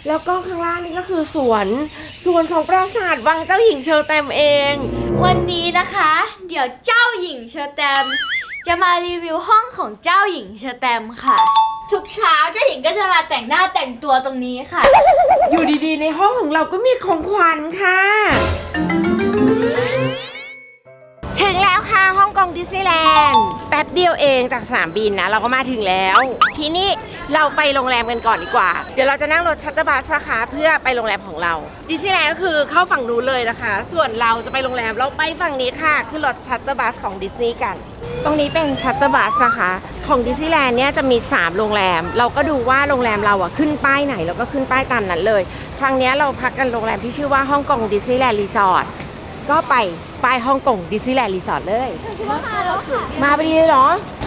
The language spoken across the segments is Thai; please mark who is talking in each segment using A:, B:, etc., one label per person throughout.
A: แล้วก็ข้างล่างนี่ก็คือสวนของปราสาทวังเจ้าหญิงเชอร์แตมเอง
B: วันนี้นะคะ เดี๋ยวเจ้าหญิงเชอร์แตมจะมารีวิวห้องของเจ้าหญิงเชอร์แตมค่ะ ทุกเช้าเจ้าหญิงก็จะมาแต่งหน้าแต่งตัวตรงนี้ค่ะ
A: อยู่ดีๆในห้องของเราก็มีของขวัญค่ะ ถึงแล้วค่ะฮ่องกงดิสนีย์แลนด์แป๊บเดียวเองจากสนามบินนะเราก็มาถึงแล้ว ทีนี้เราไปโรงแรมกันก่อนดีกว่าเดี๋ยวเราจะนั่งรถชัตเตอร์บัสนะคะเพื่อไปโรงแรมของเราดิสนีย์แลนด์ก็คือเข้าฝั่งนู้นเลยนะคะ ส่วนเราจะไปโรงแรมเราไปฝั่งนี้ค่ะคือรถชัตเตอร์บัสของดิสนีย์กัน ตรงนี้เป็นชัตเตอร์บัสนะคะของดิสนีย์แลนด์เนี่ยจะมี3โรงแรมเราก็ดูว่าโรงแรมเราอะขึ้นป้ายไหนเราก็ขึ้นป้ายตามนั้นเลยครั้งนี้เราพักกันโรงแรมที่ชื่อว่าฮ่องกงดิสนีย์แลนด์รีสอร์ทก็ไปป้ายฮ่องกงดิสนีย์แลนด์รีสอร์ทเลยมาพอดีเลยเหรอ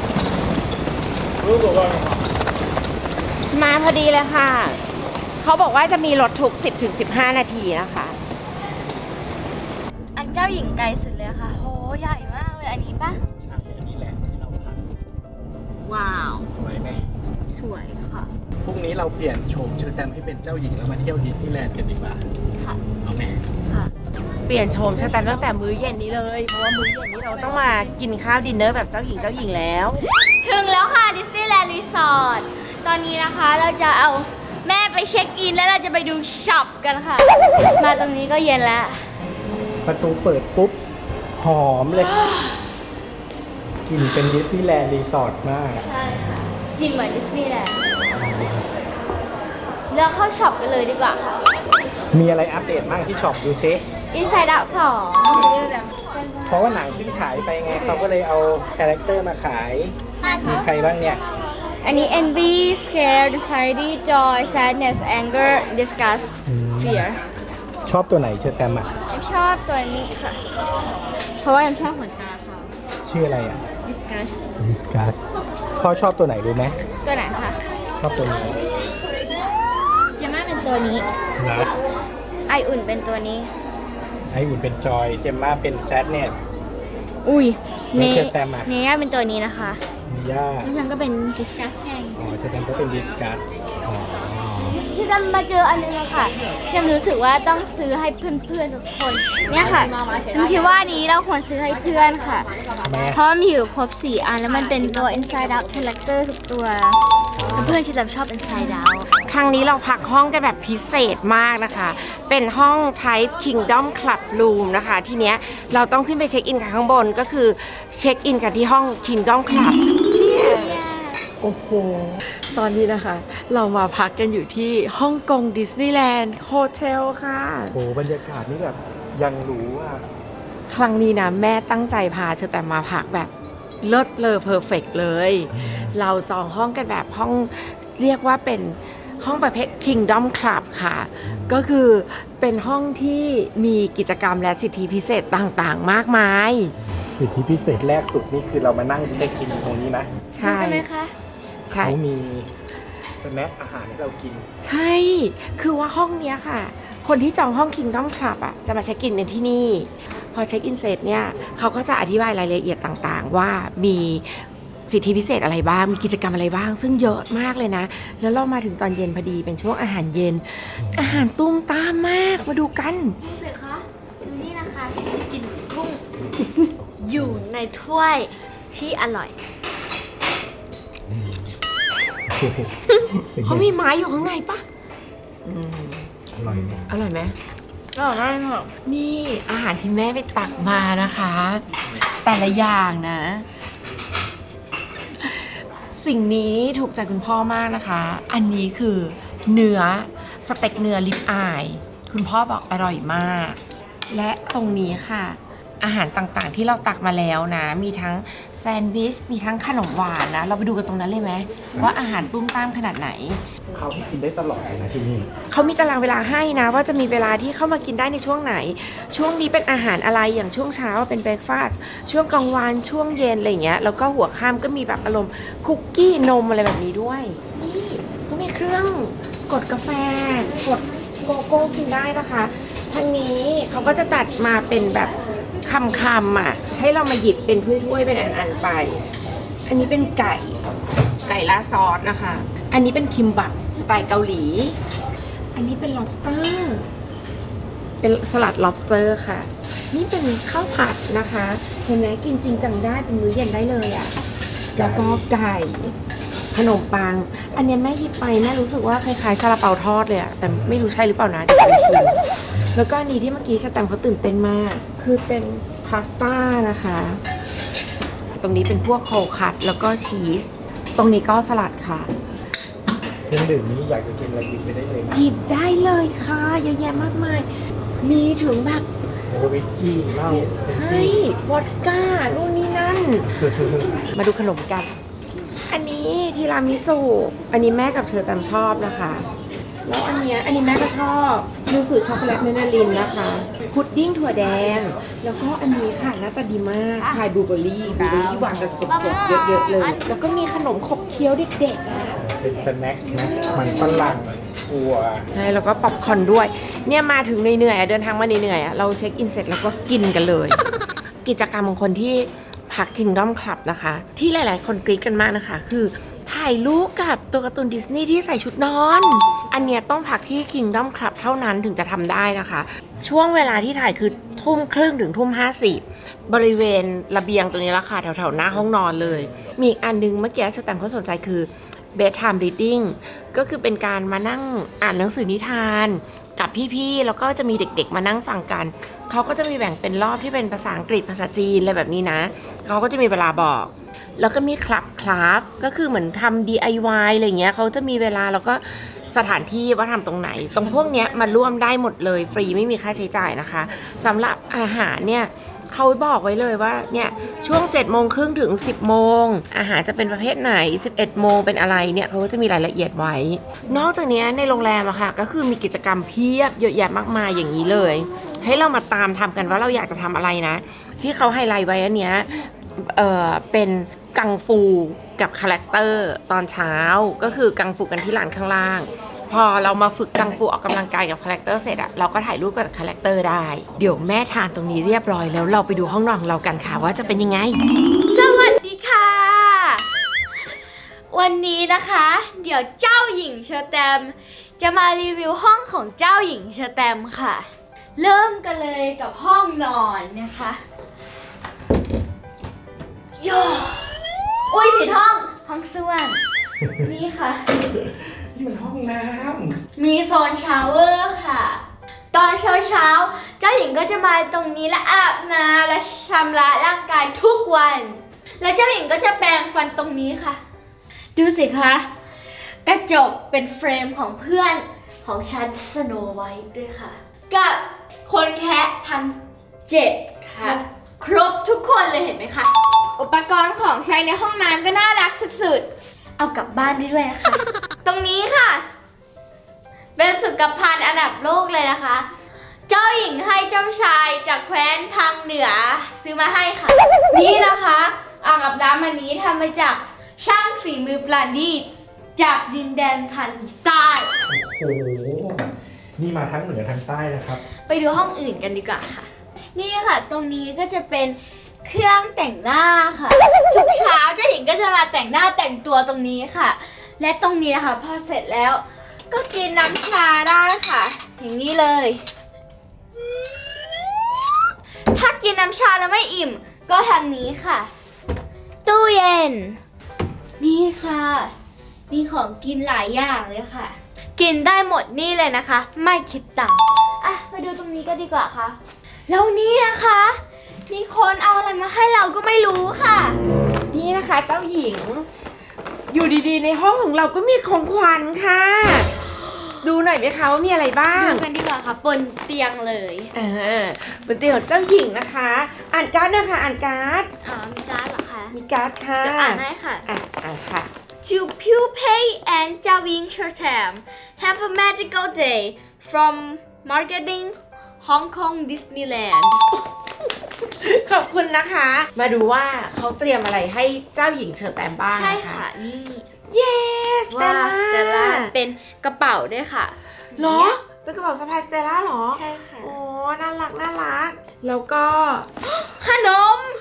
A: มาพอดีเลยค่ะเขาบอกว่าจะมีรถทุก 10-15 นาทีนะคะ
B: อันเจ้าหญิงไกลสุดเลยค่ะโหใหญ่มากเลยอันนี้ปะ
C: ใช่อันนี้แหละที่เราพัก
B: ว้าว
C: สวยไหม
B: สวยค่ะ
C: พรุ่งนี้เราเปลี่ยนโฉมเชอร์แตมให้เป็นเจ้าหญิงแล้วมาเที่ยวดิสนีย์แลนด์กันดีกว่า
B: ค่ะ
C: เอาไหม
B: ค่ะ
A: เปลี่ยนโฉมชะตาตั้งแต่มื้อเย็นนี้เลยเพราะว่ามื้อเย็นนี้เราต้องมากินข้าวดินเนอร์แบบเจ้าหญิงแล้ว
B: ถึงแล้วค่ะดิสนีย์แลนด์รีสอร์ทตอนนี้นะคะเราจะเอาแม่ไปเช็คอินแล้วเราจะไปดูช็อปกันค่ะ มาตรงนี้ก็เย็นแล้ว
C: ประตูเปิดปุ๊บ หอมเลย กลิ่นเป็นดิสนีย์แลนด์รีสอร์ทมากอะ
B: ใช่ค่ะกินเหมือนดิสนีย์แลนด์เลือกเข้าช็อปกันเลยดีกว่าค่ะ
C: มีอะไรอัปเดตบ้างที่ช็อปดูซิ
B: Inside Out 2
C: เพราะว่าหนังเพิ่งฉายไปไงเขาก็เลยเอาคาแรคเตอร์มาขาย มีใครบ้างเนี่ย
B: อันนี้ Envy Scared Anxiety Joy Sadness Anger Disgust Fear
C: ชอบตัวไหนเชอร์แตมอ่ะ
B: ผมชอบตัวนี้ค่ะ เพราะว่าผมชอบขนตาเขา
C: ชื่ออะไรอ่ะ
B: Disgust
C: Discuss พ่อชอบตัวไหนรู้ไหม
B: ตัวไหนคะ
C: ชอบตัวนี้
B: เจม่าเป็นตัวนี้
C: นะ
B: ไออุ่นเป็นตัวนี้
C: ไออุ่นเป็นจอย เจมม่าเป็น sadness
B: อุ้ย
C: แล้วเชอร์แตมอะ
B: เนย่าเป็นตัวนี้นะคะ
C: มิย่า
B: แล้วฉันก็เป็น Disgust ไง
C: อ๋อเชอร์แตมก็เป็น Discuss อ๋อ
B: ที่จะมาเจออันนึงอะค่ะยังรู้สึกว่าต้องซื้อให้เพื่อนๆทุกคน เนี่ยค่ะคิดว่านี้เราควรซื้อให้เพื่อนค่ะ
C: ทำไม
B: เพราะมันมีอยู่ครบ4 อันแล้วมันเป็นตัว Inside Out Character ทุกตัวเพื่อนๆฉันชอบ Inside Out
A: ๆ ครั้งนี้เราพักห้องกันแบบพิเศษมากนะคะ เป็นห้อง Type Kingdom Club Room นะคะ ทีเนี้ยเราต้องขึ้นไปเช็คอินกันข้างบนก็คือเช็คอินกันที่ห้อง Kingdom Club เชียร์โอ้โห ตอนนี้นะคะ เรามาพักกันอยู่ที่ฮ่องกงดิสนีย์แลนด์โฮเทลค่ะ
C: โหบรรยากาศนี่แบบยังรู้อ่ะ
A: ครั้งนี้นะแม่ตั้งใจพาเชอแต่มาพักแบบเลิศเลอเพอร์เฟกเลย เราจองห้องกันแบบห้องเรียกว่าเป็นห้องประเภท Kingdom Club ค่ะ ก็คือเป็นห้องที่มีกิจกรรมและสิทธิพิเศษต่างๆ มากมาย
C: สิทธิพิเศษแรกสุดนี่คือเรามานั่งเช็คอินตรงนี้นะ
A: ใช่
B: ใช่ไหมคะ
A: ใช่
C: เขามีสแน็คอาหารให้เรากิน
A: ใช่ คือว่าห้องเนี้ยค่ะ คนที่จองห้อง Kingdom Club อ่ะจะมาเช็คอินกันที่นี่ พอเช็คอินเสร็จเนี่ยเขาก็จะอธิบายรายละเอียดต่างๆ ว่ามีสิทธิพิเศษอะไรบ้าง มีกิจกรรมอะไรบ้าง ซึ่งเยอะมากเลยนะ แล้วเรามาถึงตอนเย็นพอดีเป็นช่วงอาหารเย็น อาหารตุ้มตามมาก มาดูกัน
B: ดูสิคะดูนี่นะคะจะกินกุ้ง อยู่ในถ้วยที่อร่อย
A: เขามีไม้อยู่ข้างในปะ
C: อร่อยไหม
A: อร่อยไหมอร่อยมากค่ะนี่อาหารที่แม่ไปตักมานะคะ แต่ละอย่างนะ สิ่งนี้ถูกใจคุณพ่อมากนะคะ อันนี้คือเนื้อสเต็กเนื้อลิปอายคุณพ่อบอกอร่อยมาก และตรงนี้ค่ะ อาหารต่างๆที่เราตักมาแล้วนะ มีทั้งแซนด์วิช มีทั้งขนมหวานนะ เราไปดูกันตรงนั้นเลยไหมว่าอาหารตุ้มตามขนาดไหน
C: เขาให้กินได้ตลอดเลยนะที่นี่
A: เขามีตารางเวลาให้นะว่าจะมีเวลาที่เข้ามากินได้ในช่วงไหน ช่วงนี้เป็นอาหารอะไรอย่างช่วงเช้าเป็นเบรคฟาสต์ช่วงกลางวันช่วงเย็นอะไรอย่างเงี้ยแล้วก็หัวค่ำก็มีแบบอารมณ์คุกกี้นมอะไรแบบนี้ด้วยนี่เขามีเครื่องกดกาแฟกดโกโก้กินได้นะคะทางนี้เขาก็จะตัดมาเป็นแบบคำอ่ะให้เรามาหยิบเป็นถ้วยๆเป็นอันๆไป อันนี้เป็นไก่ราดซอสนะคะ อันนี้เป็นคิมบับสไตล์เกาหลีอันนี้เป็น lobster เป็นสลัด lobster ค่ะ นี่เป็นข้าวผัดนะคะเห็นไหมกินจริงจังได้เป็นมื้อเย็นได้เลยอะ่ะแล้วก็ไก่ขนมปัง อันเนี้ยแม่หยิบไปแม่รู้สึกว่าคล้ายๆซาลาเปาทอดเลยอะแต่ไม่รู้ใช่หรือเปล่านะเดี๋ยวไปชิมแล้วก็อันนี้ที่เมื่อกี้ชาแตมเขาตื่นเต้นมาก คือเป็นพาสต้านะคะ ตรงนี้เป็นพวกโคคัตแล้วก็ชีสตรงนี้ก็สลัดค่ะ
C: เครื่องดื่มนี้อยากจะกินอะไรหยิบไปได้เลยนะ
A: หยิบได้เลยค่ะเยอะแยะมากมาย มีถึงแบบ
C: วิสกี้เหล้า
A: ใช่วอดก้านู่นนี่นั่น มาดูขนมกัน อันนี้ทีรามิสุอันนี้แม่กับเธอตามชอบนะคะ แล้วอันเนี้ยอันนี้แม่ก็ชอบยูสุช็อกโกแลตเมนาลินนะคะพุดดิ้งถั่วแดง แล้วก็อันนี้ค่ะหน้าตาดีมากพายบลูเบอร์รี่วางกันสดๆเยอะๆเลย แล้วก็มีขนมขบเคี้ยวเด็กๆอ่ะ
C: เป็นสแน็คนะมันฝรั่งถั่ว
A: ใช่แล้วก็ป๊อปคอร์นด้วย เนี่ยมาถึงเหนื่อยๆอะเดินทางมาเหนื่อยๆอะเราเช็คอินเสร็จแล้วก็กินกันเลย กิจกรรมของคนที่พัก Kingdom Club นะคะ ที่หลายๆ คนกรี๊ดกันมากนะคะ คือถ่ายรูปกับตัวการ์ตูนดิสนีย์ที่ใส่ชุดนอน อันเนี้ยต้องพักที่ Kingdom Club เท่านั้นถึงจะทำได้นะคะ ช่วงเวลาที่ถ่ายคือทุ่มครึ่งถึงทุ่ม50บริเวณระเบียงตรงนี้ละค่ะแถวๆหน้าห้องนอนเลย มีอีกอันนึงเมื่อกี้ชาแตมเขาสนใจคือ bedtime reading ก็คือเป็นการมานั่งอ่านหนังสือนิทานกับพี่ๆ แล้วก็จะมีเด็กๆ มานั่งฟังกัน เขาก็จะมีแบ่งเป็นรอบที่เป็นภาษาอังกฤษภาษาจีนอะไรแบบนี้นะ เขาก็จะมีเวลาบอก แล้วก็มีคลับก็คือเหมือนทำ DIY อะไรเงี้ยเขาจะมีเวลาแล้วก็สถานที่ว่าทำตรงไหน ตรงพวกเนี้ยมาร่วมได้หมดเลยฟรีไม่มีค่าใช้จ่ายนะคะสำหรับอาหารเนี่ยเขาบอกไว้เลยว่าเนี่ยช่วง7:30ถึง10 โมงอาหารจะเป็นประเภทไหน11 โมงเป็นอะไรเนี่ยเขาก็จะมีรายละเอียดไว้ นอกจากนี้ในโรงแรมอะค่ะก็คือมีกิจกรรมเพียบเยอะแยะมากมายอย่างนี้เลย ให้เรามาตามทำกันว่าเราอยากจะทำอะไรนะ ที่เขาไฮไลท์ไว้อันเนี้ยเป็นกังฟูกับคาแรคเตอร์ตอนเช้าก็คือกังฟูกันที่ลานข้างล่าง พอเรามาฝึกกังฟูออกกำลังกายกับคาแรคเตอร์เสร็จอะเราก็ถ่ายรูปกับคาแรคเตอร์ได้เดี๋ยวแม่ทานตรงนี้เรียบร้อยแล้วเราไปดูห้องนอนของเรากันค่ะว่าจะเป็นยังไง
B: สวัสดีค่ะ วันนี้นะคะ เดี๋ยวเจ้าหญิงเชอร์แตมจะมารีวิวห้องของเจ้าหญิงเชอร์แตมค่ะ เริ่มกันเลยกับห้องนอนนะคะโยอุ้ยผิดห้องส้วมนี่ค่ะ
C: นี่มันห้องน้
B: มีโซนชาวเวอร์ค่ะ ตอนเช้าเจ้าหญิงก็จะมาตรงนี้และอาบน้ำและชำระร่างกายทุกวัน แล้วเจ้าหญิงก็จะแปรงฟันตรงนี้ค่ะ ดูสิคะ กระจกเป็นเฟรมของเพื่อนของฉันสโนไวท์ด้วยค่ะ กับคนแคะทั้ง7ค่ะ ครบทุกคนเลยเห็นไหมคะ อุปกรณ์ของใช้ในห้องน้ำก็น่ารักสุดๆ เอากลับบ้านได้ด้วยนะคะ ตรงนี้ค่ะ เป็นสุขภัณฑ์อันดับโลกเลยนะคะ เจ้าหญิงให้เจ้าชายจากแคว้นทางเหนือซื้อมาให้ค่ะ นี่นะคะอ่างอาบน้ำอันนี้ทำมาจากช่างฝีมือปราณีตจากดินแดนทันใต้
C: ำโอ้โห นี่มาทั้งเหนือทั้งใต้นะครับ
B: ไปดูห้องอื่นกันดีกว่าค่ะ นี่ค่ะตรงนี้ก็จะเป็นเครื่องแต่งหน้าค่ะ ทุกเช้าเจ้าหญิงก็จะมาแต่งหน้าแต่งตัวตรงนี้ค่ะ และตรงนี้นะคะพอเสร็จแล้วก็กินน้ำชาได้ค่ะ อย่างนี้เลย ถ้ากินน้ำชาแล้วไม่อิ่มก็ทางนี้ค่ะ ตู้เย็น นี่ค่ะ มีของกินหลายอย่างเลยค่ะ กินได้หมดนี่เลยนะคะ ไม่คิดตังค์อ่ะมาดูตรงนี้ก็ดีกว่าค่ะ แล้วนี่นะคะ มีคนเอาอะไรมาให้เราก็ไม่รู้ค่ะ
A: นี่นะคะเจ้าหญิง อยู่ดีๆในห้องของเราก็มีของขวัญค่ะ ดูหน่อยไหมคะว่ามีอะไรบ้าง
B: ดูกันดีกว่าค่ะบนเตียงเลย
A: บนเตียงของเจ้าหญิงนะคะ อ่านการ์ดนะคะอ่านการ์ด
B: มีการ์ดเหรอคะ
A: มีการ์ดค่ะ
B: เดี๋ยวอ่านให้ค่ะ
A: อ่านค่ะ
B: To Pupay and Jiawing Chertam have a magical day from marketing Hong Kong Disneyland
A: ขอบคุณนะคะ มาดูว่าเขาเตรียมอะไรให้เจ้าหญิงเชอร์แตมบ้าง
B: ใช่
A: นะคะ
B: ค่ะ นี่
A: Yes
B: ว้าวสเตลล่า
A: Stella
B: เป็นกระเป๋าด้วยค่ะ
A: เหรอ เป็นกระเป๋าสะพายสเตลล่าเหรอ
B: ใช่ค่ะ
A: โอ้น่ารักน่ารัก แล้วก็
B: ขนม
A: เจ้าห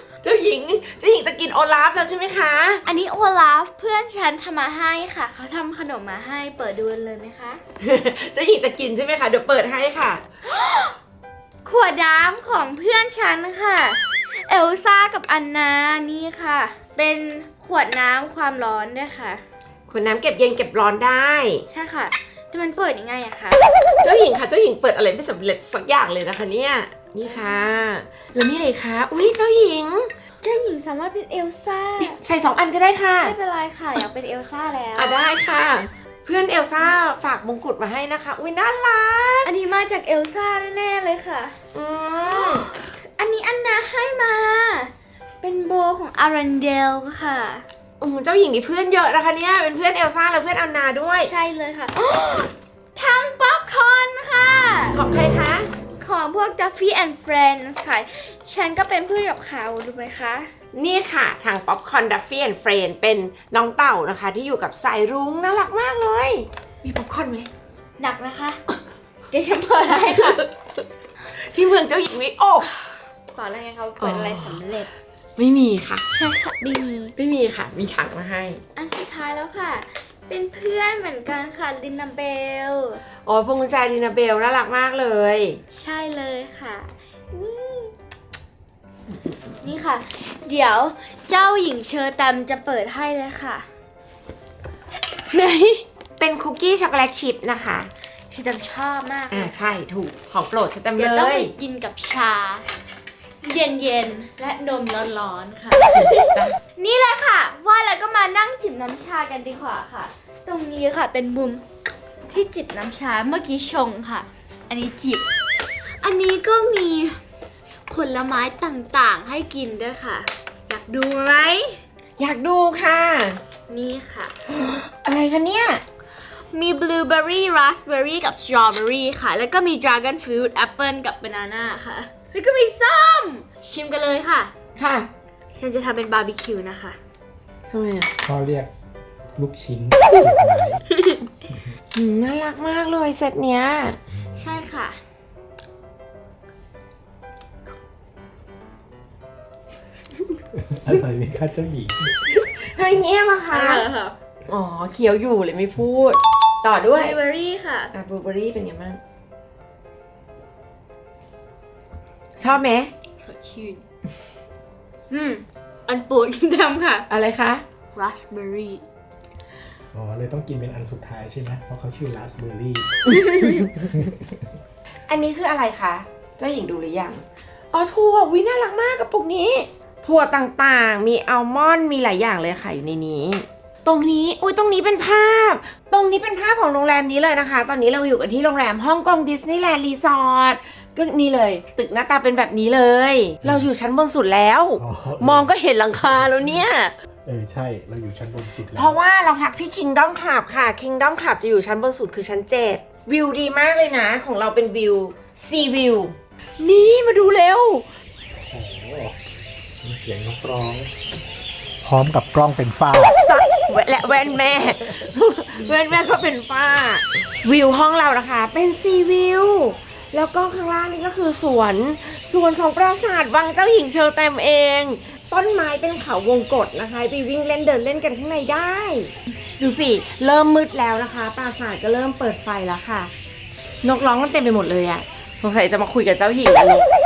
A: หญิงจะกินโอลาฟแล้วใช่ไหมคะ
B: อันนี้โอลาฟเพื่อนฉันทำมาให้ค่ะเขาทำขนมมาให้เปิดดูเลยไหมคะ
A: เจ้าหญิงจะกินใช่ไหมคะเดี๋ยวเปิดให้ค่ะ
B: ขวดน้ำของเพื่อนฉันค่ะเอลซ่ากับอันนานี่ค่ะ เป็นขวดน้ำความร้อนด้วยค่ะ
A: ขวดน้ำเก็บเย็นเก็บร้อนได้
B: ใช่ค่ะแต่มันเปิดยังไงอะคะ
A: เจ้าหญิงค่ะเจ้าหญิงเปิดอะไรไม่สำเร็จสักอย่างเลยนะคะเนี่ยนี่ค่ะแล้วมีอะไรคะอุ้ยเจ้าหญิง
B: เจ้าหญิงสามารถเป็นเอลซ่า
A: ใส่2 อันก็ได้ค่ะ
B: ไม่เป็นไรค่ะอยากเป็นเอลซ่าแล้ว
A: ได้ค่ะ เพื่อนเอลซ่าฝากมงกุฎมาให้นะคะอุ้ยน่ารัก
B: อันนี้มาจากเอลซ่าแน่ๆเลยค่ะ
A: อืม
B: อันนี้อันนาให้มา เป็นโบของอารันเดลค่ะ
A: เจ้าหญิงนี่เพื่อนเยอะนะคะเนี่ยเป็นเพื่อนเอลซ่าและเพื่อนอันนาด้วย
B: ใช่เลยค่ะ ทั้งป๊อปคอร์นค่ะ
A: ของใครคะ
B: ของพวก Duffy and Friends ค่ะ ฉันก็เป็นเพื่อนกับเขาดูไหมคะ
A: นี่ค่ะทางป๊อปคอร์นดัฟฟี่แอนด์เฟรนเป็นน้องเต่านะคะที่อยู่กับสายรุ้งน่ารักมากเลย มีป๊อปคอร์นไหม
B: หนักนะคะ เดี๋ยวฉันเปิดให้ค่ะ
A: ที่เมืองเจ้าหญิงวิโอ
B: ก่อนแล้วไงเขาเปิดอะไรสำเร็จ
A: ไม่มีค่ะ
B: ใช่ค่ะดี
A: ไม่มีค่ะ มีถังมาให้
B: อันสุดท้ายแล้วค่ะ เป็นเพื่อนเหมือนกันค่ะลินนาเบล
A: โอ้ยพวงกุญแจดินาเบลน่ารักมากเลย
B: ใช่เลยค่ะนี่ค่ะ เดี๋ยวเจ้าหญิงเชอร์แตมจะเปิดให้เลยค่ะ
A: ไหน เป็นคุกกี้ช็อกโกแลตชิพนะคะ
B: เชอร์แตมชอบมากเลย
A: ใช่ถูกของโปรดฉันเต็ม
B: เดี๋ยว
A: เล
B: ต้อง
A: ย
B: ไปกินกับชา เย็นๆ และนมร้อนๆ ค่ะ นี่เลยค่ะ ว่าแล้วก็มานั่งจิบน้ำชากันดีกว่าค่ะ ตรงนี้ค่ะเป็นมุมที่จิบน้ำชาเมื่อกี้ชงค่ะ อันนี้จิบ อันนี้ก็มีผลไม้ต่างๆ ให้กินด้วยค่ะ อยากดูไหม
A: อยากดูค่ะ
B: นี่ค่ะ
A: อะไรคะเนี่ย
B: มีบลูเบอร์รี่ราสเบอร์รี่กับสตรอเบอร์รี่ค่ะ แล้วก็มีดราก้อนฟรุตแอปเปิลกับบานาน่าค่ะ แล้วก็มีส้ม ชิมกันเลยค่ะ
A: ค่ะ
B: ฉันจะทำเป็นบาร์บีคิวนะคะ
A: ทำไมอ่ะ
C: ก็เรียกลูกชิ้นเก็บไว้
A: น่ารักมากเลยเซตเนี้ย
B: ใช่ค่ะ
C: อร่อยไหมคะเจ้าหญิง
A: เฮ้ยเงี้ยมาคะ
B: ค่ะ
A: อ๋อเคี้ยวอยู่เลยไม่พูด ต่อบ ด้วย
B: ลูเบอร์รี่ค่ะ
A: บลูเบอร์รี่เป็นไงบ้างชอบไหม
B: สดชื่น อันโปรดกินทำค่ะ
A: อะไรคะ
B: ราสเบอร์รี่
C: อ๋อเลยต้องกินเป็นอันสุดท้ายใช่ไหมเพราะเขาชื่อราสเบอร์รี่
A: อันนี้คืออะไรคะเจ้าหญิงดูหรือยังอ๋อถั่ววิน่ารักมากกระปุกนี้ถั่วต่างๆมีอัลมอนด์มีหลายอย่างเลยค่ะอยู่ในนี้ ตรงนี้อุ้ยตรงนี้เป็นภาพ ตรงนี้เป็นภาพของโรงแรมนี้เลยนะคะ ตอนนี้เราอยู่กันที่โรงแรมฮ่องกงดิสนีย์แลนด์รีสอร์ทก็นี่เลย ตึกหน้าตาเป็นแบบนี้เลย เราอยู่ชั้นบนสุดแล้ว
C: อ๋อ
A: มองก็เห็นหลังคาแล้วเนี่ย
C: ใช่ เราอยู่ชั้นบนสุดแล้ว
A: เพราะว่าเราพักที่ Kingdom Club ค่ะ Kingdom Club จะอยู่ชั้นบนสุดคือชั้น 7 วิวดีมากเลยนะ ของเราเป็นวิว Sea View นี่มาดูเร็ว
C: โอ้โหมีเสียงนกร้อง พร้อมกับกล้องเป็นฟ้า
A: และแว่นแม่ แว่นแม่ก็เป็นฝ้า วิวห้องเรานะคะ เป็นซีวิว แล้วก็ข้างล่างนี่ก็คือสวนของปราสาทวังเจ้าหญิงเชอร์แตมเอง ต้นไม้เป็นเขาวงกตนะคะ ไปวิ่งเล่นเดินเล่นกันข้างในได้ ดูสิ เริ่มมืดแล้วนะคะ ปราสาทก็เริ่มเปิดไฟแล้วค่ะ นกร้องกันเต็มไปหมดเลยอะสงสัยจะมาคุยกับเจ้าหญิงแล้วนก